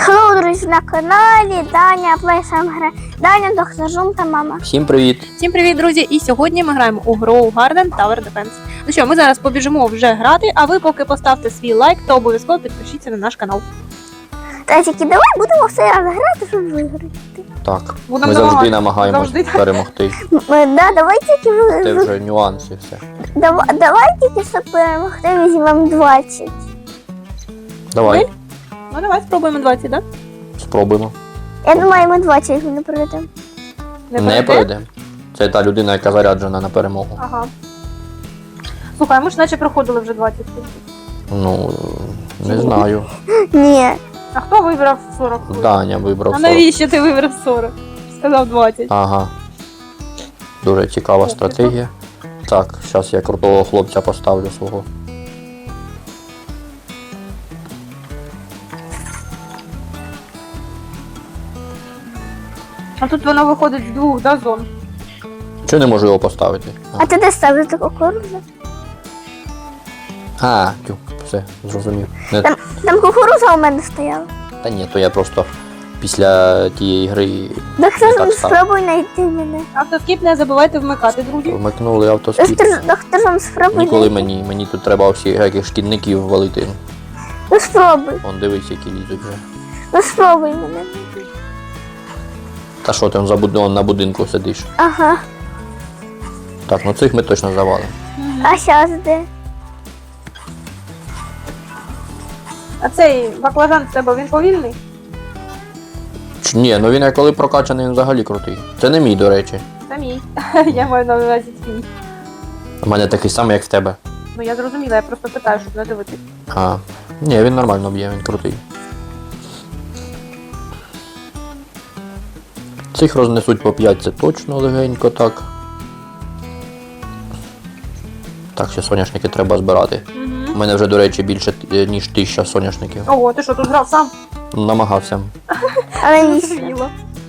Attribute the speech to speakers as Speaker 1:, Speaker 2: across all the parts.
Speaker 1: Хеллоу, друзі, на каналі Даня Плейсам грає. Даня, доктор Жум та мама.
Speaker 2: Всім привіт!
Speaker 3: Всім привіт, друзі! І сьогодні ми граємо у Grow Garden Tower Defense. Ну що, ми зараз побіжимо вже грати, а ви поки поставте свій лайк та обов'язково підпишіться на наш канал.
Speaker 1: Та тільки давай будемо все раз грати, щоб виграти.
Speaker 2: Так,
Speaker 3: Будемо
Speaker 2: ми завжди
Speaker 3: намагатися.
Speaker 2: намагаємось
Speaker 3: Завжди так.
Speaker 2: перемогти.
Speaker 1: Давай тільки
Speaker 2: Це вже нюанси все.
Speaker 1: давай тільки, щоб перемогти, візьмемо 20.
Speaker 2: Давай,
Speaker 3: Ну давай спробуємо 20, так?
Speaker 2: спробуємо.
Speaker 1: Я думаю, ми 20 не пройдемо.
Speaker 2: Не пройдемо. Це та людина, яка заряджена на перемогу.
Speaker 3: Ага. Слухай, ми ж наче проходили вже 20.
Speaker 2: Ну, не знаю.
Speaker 1: Ні.
Speaker 3: А хто вибрав 40?
Speaker 2: Даня вибрав
Speaker 3: А
Speaker 2: 40.
Speaker 3: навіщо ти вибрав 40? Сказав 20.
Speaker 2: Ага. Дуже цікава стратегія. Так, зараз я крутого хлопця поставлю свого.
Speaker 3: А тут воно виходить з двох, да, зон?
Speaker 2: Чого не можу його поставити?
Speaker 1: А ти де ставиш таку кукурудзу?
Speaker 2: Тю, все, зрозумів. Не...
Speaker 1: Там кукурудза у мене стояла.
Speaker 2: Та ні, то я просто після тієї гри
Speaker 1: Доктор,
Speaker 2: так став.
Speaker 1: спробуй знайти мене.
Speaker 3: Автоскіп не забувайте вмикати, друзі.
Speaker 2: Вмикнули автоскіп.
Speaker 1: Доктор, спробуй
Speaker 2: Ніколи
Speaker 1: знайти.
Speaker 2: мені тут треба всіх шкідників валити.
Speaker 1: Ну спробуй.
Speaker 2: Вон дивись, які лізуть вже.
Speaker 1: Ну спробуй мене.
Speaker 2: Та що ти на будинку сидиш?
Speaker 1: Ага.
Speaker 2: Так, ну цих ми точно завалимо.
Speaker 1: А зараз де?
Speaker 3: А цей баклажан в тебе, він повільний?
Speaker 2: Ні, ну він як коли прокачаний, він взагалі крутий. Це не мій, до речі.
Speaker 3: Це мій. Я маю на увазі твій.
Speaker 2: У мене такий самий, як в тебе.
Speaker 3: Ну я зрозуміла, я просто питаю, щоб не дивитись.
Speaker 2: Ні, він нормально б'є, він крутий. Цих рознесуть по 5, це точно легенько так. Так, ще соняшники треба збирати. У мене вже, до речі, більше, ніж 1000 соняшників.
Speaker 3: Ого, ти що, тут грав сам?
Speaker 2: Намагався.
Speaker 1: Але ні.
Speaker 3: Зрозуміло.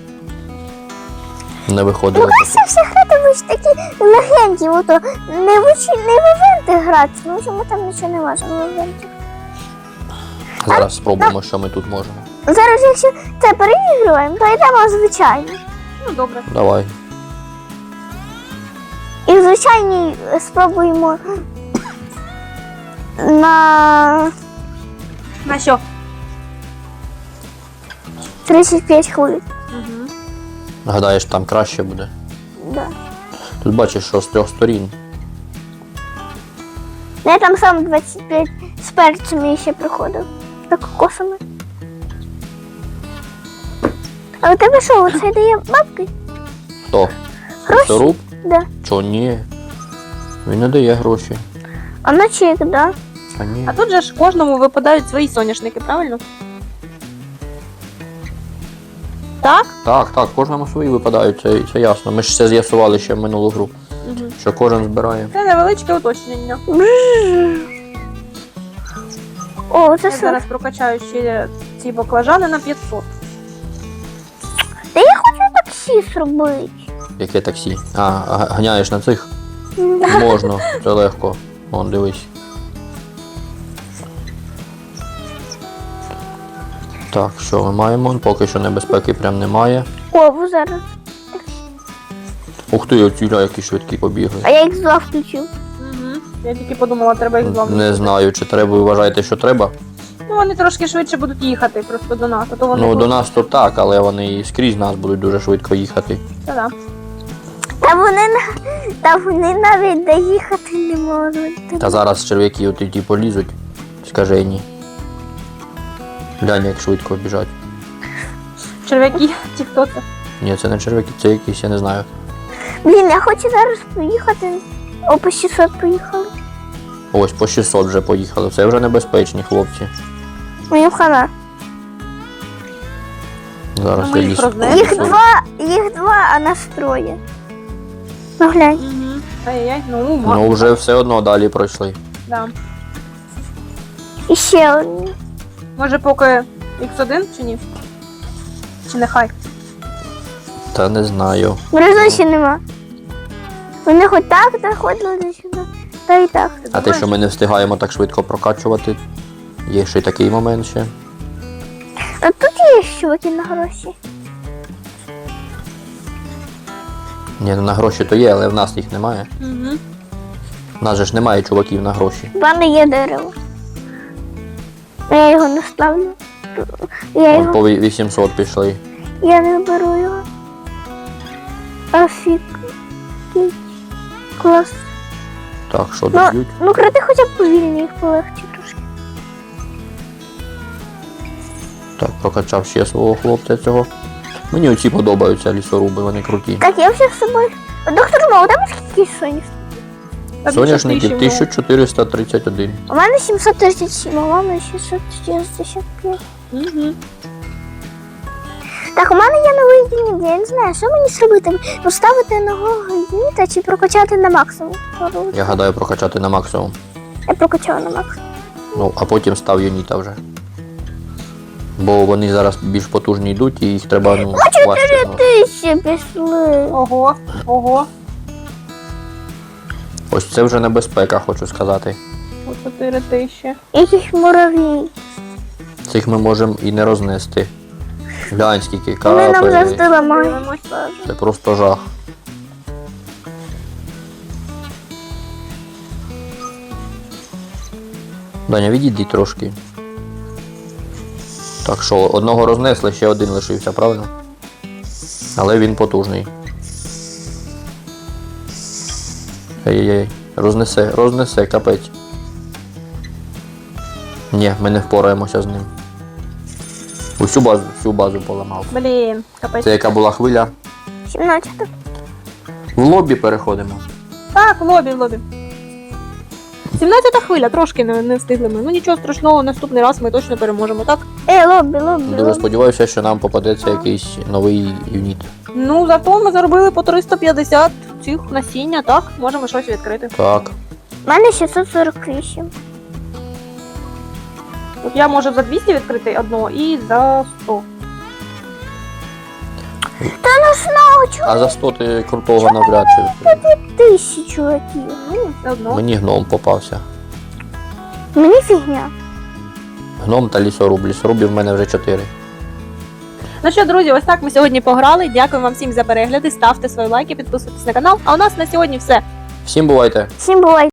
Speaker 2: Не виходило.
Speaker 1: Це всі грати ви ж такі легенькі, ото не в івенти грати, тому що ми там нічого не можемо в івенті.
Speaker 2: Зараз спробуємо, що ми тут можемо.
Speaker 1: Зараз, якщо це переігруємо, то йдемо звичайно.
Speaker 3: Ну добре.
Speaker 2: Давай.
Speaker 1: І в звичайній спробуємо на
Speaker 3: На що?
Speaker 1: 35 хвилин.
Speaker 3: Угу.
Speaker 2: Гадаєш, там краще буде?
Speaker 1: Да.
Speaker 2: Тут бачиш, що з 3 сторін.
Speaker 1: Я там сам 25 з перцями ще приходив. Та кокосами. А у тебе що, оце дає бабки?
Speaker 2: Хто?
Speaker 1: Гроші?
Speaker 2: Лісоруб?
Speaker 1: Да.
Speaker 2: Чо, ні. Він не дає гроші.
Speaker 1: А на чек, да?
Speaker 2: А ні.
Speaker 3: А тут же ж кожному випадають свої соняшники, правильно? Так?
Speaker 2: Так, кожному свої випадають, це ясно. Ми ж це з'ясували ще в минулу гру,
Speaker 3: Угу.
Speaker 2: що кожен збирає.
Speaker 3: Це невеличке уточнення.
Speaker 1: О, це
Speaker 3: Я
Speaker 1: що?
Speaker 3: зараз прокачаю ще ці баклажани на 500.
Speaker 1: Та я хочу таксі зробити.
Speaker 2: Яке таксі? Ганяєш на цих? Можна, це легко. Вон, дивись. Так, що ми маємо? Поки що небезпеки прям немає.
Speaker 1: О, зараз.
Speaker 2: Ух ти, оці які швидкі побігли.
Speaker 1: А я їх зла включив.
Speaker 3: Угу. Я тільки подумала, треба їх зламати.
Speaker 2: Не знаю, чи треба, ви вважаєте, що треба?
Speaker 3: Ну вони трошки швидше будуть їхати просто до нас, а то вони
Speaker 2: Ну,
Speaker 3: тут-
Speaker 2: до нас то так, але вони і скрізь нас будуть дуже швидко їхати.
Speaker 3: Та-да.
Speaker 1: Та вони навіть доїхати не можуть.
Speaker 2: Та зараз черв'яки от ті полізуть, скажені. Глянь, як швидко біжать.
Speaker 3: Черв'яки, ті хто це?
Speaker 2: Ні, це не черв'яки, це якісь, я не знаю.
Speaker 1: Блін, я хочу зараз поїхати. О, по 600 поїхали.
Speaker 2: Ось по 600 вже поїхали. Це вже небезпечні хлопці.
Speaker 1: Мені хана.
Speaker 2: Зараз
Speaker 3: Ну, ми
Speaker 2: я
Speaker 3: їх
Speaker 2: ліз.
Speaker 3: рознесемо.
Speaker 1: Їх два, а нас троє. Ну глянь.
Speaker 3: Угу. Ай-яй-яй, ну,
Speaker 2: Ну вже все одно далі пройшли.
Speaker 3: да.
Speaker 1: І ще одні.
Speaker 3: Може поки X1 чи ні? Чи нехай?
Speaker 2: Та не знаю.
Speaker 1: Резонсі нема. Вони хоч так заходили до сюди, та і так.
Speaker 3: Ти
Speaker 2: А те,
Speaker 3: думаєш?
Speaker 2: що ми не встигаємо так швидко прокачувати, є ще й такий момент ще.
Speaker 1: А тут чуваки на гроші.
Speaker 2: Ні, ну на гроші то є, але в нас їх немає.
Speaker 3: Угу.
Speaker 2: У нас же ж немає чуваків на гроші.
Speaker 1: В мене є дерево. Я його не ставлю. Я
Speaker 2: От
Speaker 1: його.
Speaker 2: по 800 пішли.
Speaker 1: Я не беру його. Офігеть. Клас.
Speaker 2: Так, що доб'ють?
Speaker 1: Ну кради хоча б повільні, їх полегче трошки.
Speaker 2: Так, прокачав ще свого хлопця цього. Мені оці подобаються лісоруби, вони круті.
Speaker 1: Так, я вже з собою. Доктор Мо, у тебе скільки соняшників?
Speaker 2: Соняшників 1431.
Speaker 1: У мене 737, а у мене 665.
Speaker 3: Угу.
Speaker 1: Так, у мене є новий гніт, я не знаю, що мені зробити? Поставити нового гніта чи прокачати на максимум?
Speaker 2: Я гадаю прокачати на максимум.
Speaker 1: Я прокачала на максимум.
Speaker 2: Ну, а потім став юніта вже. Бо вони зараз більш потужні йдуть і їх треба, ну, важче. Ну.
Speaker 1: Ти ще пішли.
Speaker 3: Ого, ого.
Speaker 2: Ось це вже небезпека, хочу сказати.
Speaker 3: По 4000.
Speaker 1: Яких муравій.
Speaker 2: Цих ми можемо і не рознести. Глянь, скільки
Speaker 1: Вони нам
Speaker 2: капель.
Speaker 1: завжди ламають.
Speaker 3: Дивимось.
Speaker 2: Це просто жах. Даня, відійди трошки. Так що, одного рознесли, ще один лишився, правильно? Але він потужний. Ей-ей-ей, рознесе, капець. Ні, ми не впораємося з ним. Всю базу поламав.
Speaker 3: Блін, капець.
Speaker 2: Це яка була хвиля?
Speaker 1: 17.
Speaker 2: В лобі переходимо.
Speaker 3: Так, в лобі. 17-та хвиля, трошки не встигли ми. Ну нічого страшного, наступний раз ми точно переможемо, так?
Speaker 1: Лобі.
Speaker 2: Дуже сподіваюся, що нам попадеться якийсь новий юніт.
Speaker 3: Ну, зато ми заробили по 350 цих насіння, так? Можемо щось відкрити.
Speaker 2: Так.
Speaker 1: У мене 648.
Speaker 3: От я можу за 200 відкрити одного і за 100.
Speaker 1: Та ну знову чого
Speaker 2: А за 100 ти крутого навряд чи відкриєш.
Speaker 1: 1000 чуваків?
Speaker 3: Ну, все одно.
Speaker 2: Мені гном попався.
Speaker 1: Мені фігня.
Speaker 2: Гном та лісоруб. Лісорубів в мене вже 4.
Speaker 3: Ну що, друзі, ось так ми сьогодні пограли. Дякую вам всім за перегляди. Ставте свої лайки, підписуйтесь на канал. А у нас на сьогодні все.
Speaker 2: Всім бувайте!
Speaker 1: Всім бувай.